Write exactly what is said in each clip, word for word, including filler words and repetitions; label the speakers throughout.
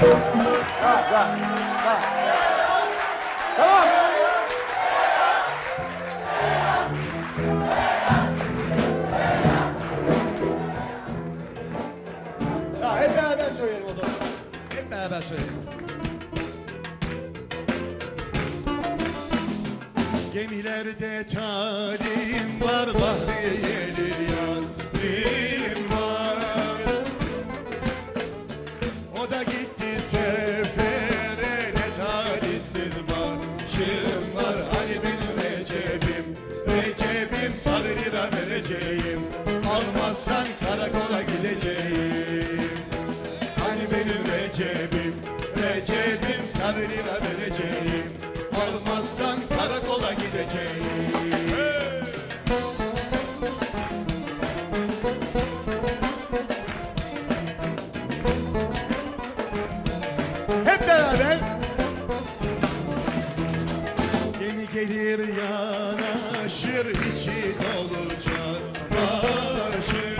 Speaker 1: Ha, ha, ha. Tamam. Ha, hep beraber söyleyelim o zaman. Hep beraber söyleyelim. Gemilerde talim var, bahriyelir yarim var. O da gitti sefere, ne talihsiz başım var. Hani benim Recep'im, Recep'im sarı lira vereceğim. Almazsan karakola gideceğim. Hani benim Recep'im, Recep'im sarı lira vereceğim. Almazsan karakola gideceğim. Hep beraber. Gemi gelir yanaşır, içi dolacak başı.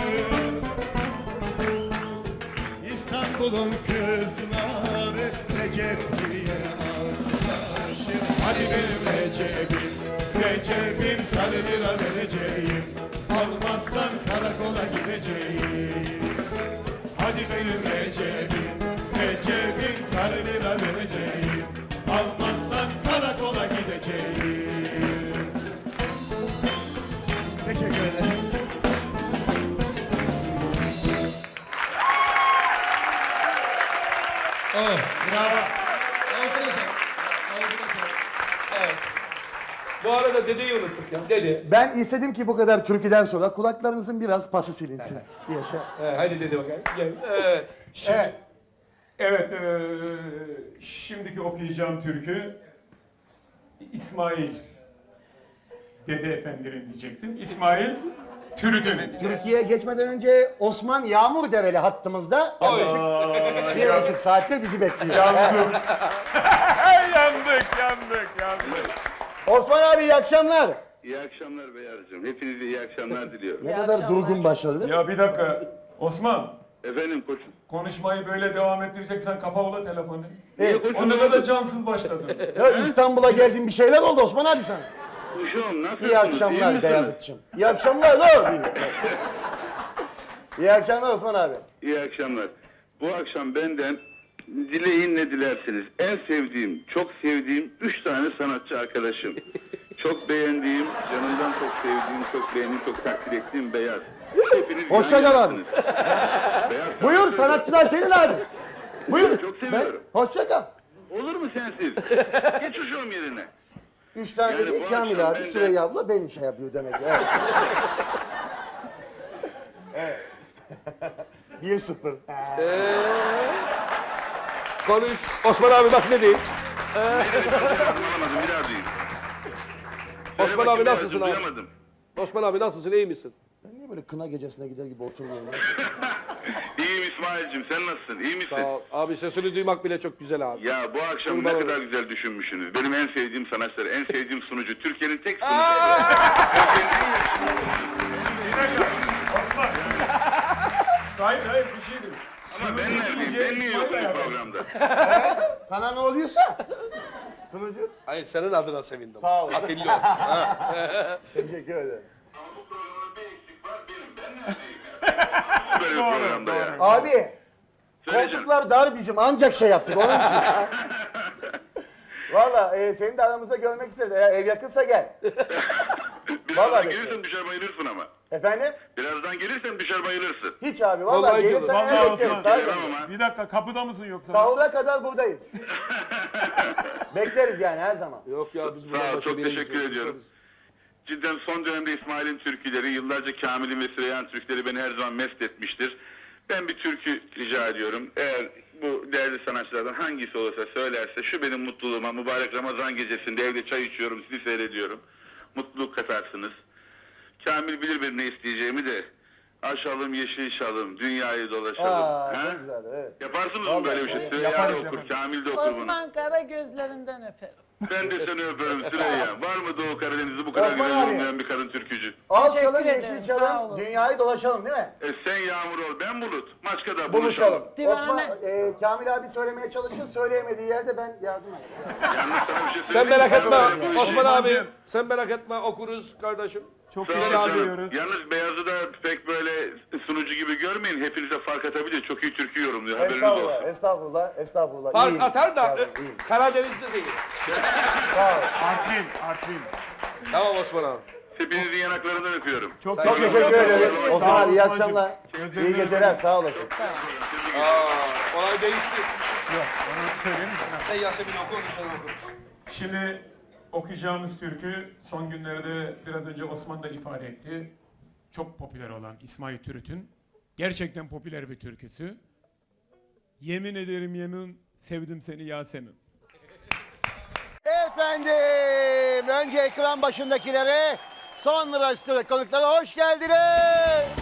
Speaker 1: İstanbul'un kızları Recep diye anlaşır. Hadi benim Recep'im, Recep'im sarı lira vereceğim. Almazsan karakola gideceğim. Hadi benim Recep'im, Recep'im sarı lira vereceğim. Almazsan karakola gideceğim. Teşekkür ederim.
Speaker 2: Oh, bravo. Ağzına sağlık. Ağzına sağlık. Evet. Bu arada dedeyi unuttuk ya. Dede.
Speaker 1: Ben istedim ki bu kadar türküden sonra kulaklarınızın biraz pası silinsin. Yaşa.
Speaker 2: Evet, hadi dede bakayım. Gel. Evet. Şimdi.
Speaker 1: Evet.
Speaker 3: Evet, eee, şimdiki okuyacağım türkü İsmail Dede Efendi'nin diyecektim. İsmail Türüdün.
Speaker 1: Türkiye'ye geçmeden önce Osman Yağmur Develi hattımızda. Yaklaşık
Speaker 3: Aa,
Speaker 1: bir
Speaker 3: ya-
Speaker 1: buçuk saattir bizi bekliyor.
Speaker 3: yandık. yandık, yandık, yandık.
Speaker 1: Osman abi iyi akşamlar.
Speaker 4: İyi akşamlar Beyazcığım. Hepinize iyi akşamlar diliyorum.
Speaker 1: Ne kadar durgun başladı.
Speaker 3: Ya bir dakika, Osman.
Speaker 4: Efendim koçum.
Speaker 3: Konuşmayı böyle devam ettireceksen kapa ula telefonu.
Speaker 1: Evet.
Speaker 3: O ne kadar cansız başladın.
Speaker 1: Ya İstanbul'a geldin bir şeyler oldu Osman abi sana.
Speaker 4: Kuşum nasılsınız?
Speaker 1: İyi akşamlar Beyazıt'cığım. İyi akşamlar lan. İyi. İyi akşamlar Osman abi.
Speaker 4: İyi akşamlar. Bu akşam benden dileyin ne dilersiniz. En sevdiğim, çok sevdiğim üç tane sanatçı arkadaşım. Çok beğendiğim, canımdan çok sevdiğim, çok beğendiğim, çok takdir ettiğim Beyaz. Hepiniz
Speaker 1: Hoşça kal abi.
Speaker 4: Beyaz,
Speaker 1: Buyur sanatçılar senin abi. Buyur.
Speaker 4: Çok seviyorum.
Speaker 1: Ben, hoşça kal.
Speaker 4: Olur mu sensiz? Geç uşağım yerine.
Speaker 1: Üç tane
Speaker 4: Yani
Speaker 1: dedi
Speaker 4: bu
Speaker 1: Kamil
Speaker 4: akşam
Speaker 1: abi,
Speaker 4: ben de-
Speaker 1: Süreyya abla beni şey yapıyor demek. Evet. Evet. Bir sıfır.
Speaker 2: Konuş. Osman abi bak ne diyeyim.
Speaker 4: Anlamadım bir daha duyayım. Söyle
Speaker 2: Osman
Speaker 4: bakayım
Speaker 2: abi nasılsın
Speaker 4: Beyazcığım,
Speaker 2: abi?
Speaker 4: duyamadım.
Speaker 2: Osman abi nasılsın? İyi misin?
Speaker 1: Ben niye böyle kına gecesine gider gibi oturuyorum ya?
Speaker 4: İyiyim İsmail'cim, sen nasılsın? İyi misin?
Speaker 2: Sağ ol. Abi sesini duymak bile çok güzel abi.
Speaker 4: Ya bu akşam
Speaker 2: Kurban
Speaker 4: ne
Speaker 2: olayım.
Speaker 4: kadar güzel düşünmüşsünüz. Benim en sevdiğim sanatçılar, en sevdiğim sunucu. Türkiye'nin tek sunucusu.
Speaker 3: Bir dakika, Osman. Hayır, hayır bir şey değil.
Speaker 4: Ama ben neredeyim? Ben niye yokum bu programda?
Speaker 1: Sana ne oluyorsa. Sunucu.
Speaker 2: Hayır senin adına sevindim.
Speaker 1: Sağ ol.
Speaker 2: Atilla. Ha.
Speaker 1: Teşekkür ederim.
Speaker 4: Ama bu programda bir eksik var benim. Ben neredeyim ya? Böyle bir programda ya.
Speaker 1: Abi.
Speaker 4: Söyleyeceğim.
Speaker 1: Koltuklar dar bizim ancak şey yaptık onun için. Valla e, seni de aramızda görmek isteriz. Eğer ev yakınsa gel.
Speaker 4: Birazdan
Speaker 1: Vallahi
Speaker 4: gelirsen düşer bayılırsın ama.
Speaker 1: Efendim?
Speaker 4: Birazdan gelirsen düşer bayılırsın.
Speaker 1: Hiç abi valla
Speaker 2: Vallahi
Speaker 1: gelirsen
Speaker 3: canım.
Speaker 1: ev
Speaker 3: Vallahi
Speaker 1: bekleriz.
Speaker 3: Osman.
Speaker 1: Sahiden.
Speaker 4: Tamam ha.
Speaker 3: Bir dakika, kapıda mısın yoksa?
Speaker 1: Sahura kadar buradayız. Bekleriz yani her zaman.
Speaker 2: Yok ya biz
Speaker 4: Sağ
Speaker 2: buradan
Speaker 4: ol,
Speaker 2: başka
Speaker 4: çok
Speaker 2: bir yere
Speaker 4: teşekkür
Speaker 2: gideceğiz.
Speaker 4: ediyorum. Cidden son dönemde İsmail'in türküleri, yıllarca Kamil'in ve Süreyya'nın türküleri beni her zaman mest etmiştir. Ben bir türkü rica ediyorum. Eğer bu değerli sanatçılardan hangisi olursa söylerse, şu benim mutluluğuma, mübarek Ramazan gecesinde evde çay içiyorum, sizi seyrediyorum. Mutluluk katarsınız. Kamil bilir benim ne isteyeceğimi de. Aşalım yeşil şalım, dünyayı dolaşalım.
Speaker 1: Aa
Speaker 4: Ha?
Speaker 1: çok güzel evet.
Speaker 4: Yaparsınız mı
Speaker 1: Vallahi
Speaker 4: böyle bir şey?
Speaker 1: yaparız.
Speaker 4: Süreyya da
Speaker 3: Yaparız,
Speaker 4: okur,
Speaker 3: yaparız.
Speaker 4: Kamil de okur bunu.
Speaker 5: Osman Kara gözlerinden öperim.
Speaker 4: Ben de seni öperim Süreyya. Var mı Doğu Karadeniz'i bu kadar
Speaker 1: Osman
Speaker 4: güzel
Speaker 1: abi.
Speaker 4: yorumlayan bir kadın türkücü?
Speaker 1: Az
Speaker 5: Teşekkür
Speaker 1: çalın,
Speaker 5: ederim,
Speaker 1: yeşil
Speaker 5: sağ
Speaker 1: çalın,
Speaker 5: olun.
Speaker 1: dünyayı dolaşalım değil mi?
Speaker 4: E sen Yağmur ol, ben Bulut. Maçka'da
Speaker 1: Buluşalım.
Speaker 4: buluşalım.
Speaker 5: Divane-
Speaker 1: Osman, e, Kamil abi söylemeye çalışır, söyleyemediği yerde ben yardım edeyim.
Speaker 4: Yalnız sana bir şey
Speaker 2: Sen
Speaker 4: söyleyeyim mi?
Speaker 2: merak etme
Speaker 4: Böyle bu işi-
Speaker 2: Osman abi. Sen merak etme okuruz kardeşim.
Speaker 3: Çok
Speaker 4: Sağ olun
Speaker 3: teşekkür
Speaker 4: canım.
Speaker 3: ediyoruz.
Speaker 4: Yalnız Beyaz'ı da pek böyle sunucu gibi görmeyin. Hepinize fark atabilir. Çok iyi türkü yorumluyor. Haberiniz
Speaker 1: Estağfurullah,
Speaker 4: olsun.
Speaker 1: estağfurullah, estağfurullah.
Speaker 2: Fark
Speaker 1: İyiyim.
Speaker 2: atar da
Speaker 1: Yavrum,
Speaker 2: e,
Speaker 1: iyiyim.
Speaker 2: Karadeniz'de değil.
Speaker 1: Sağ ol.
Speaker 3: Artvin, Artvin.
Speaker 2: Tamam Osman abi.
Speaker 4: Hepinizin yanaklarından öpüyorum.
Speaker 3: Çok
Speaker 1: Çok teşekkür ederiz.
Speaker 3: Sağ
Speaker 1: Osman
Speaker 3: ol
Speaker 1: abi iyi
Speaker 3: Osman'cığım.
Speaker 1: akşamlar.
Speaker 3: Gözlerine
Speaker 1: İyi geceler,
Speaker 3: öperim.
Speaker 1: sağ olasın.
Speaker 2: Aa, olay değişti.
Speaker 3: Yok, onu söyleyeyim mi?
Speaker 2: Sen Yasemin oku, sen okuruz.
Speaker 3: Şimdi okuyacağımız türkü son günlerde biraz önce Osman da ifade etti. Çok popüler olan İsmail Türüt'ün gerçekten popüler bir türküsü. Yemin ederim yemin sevdim seni Yasemin.
Speaker 1: Efendim, önce ekran başındakilere, sonra stüdyo konuklara hoş geldiniz.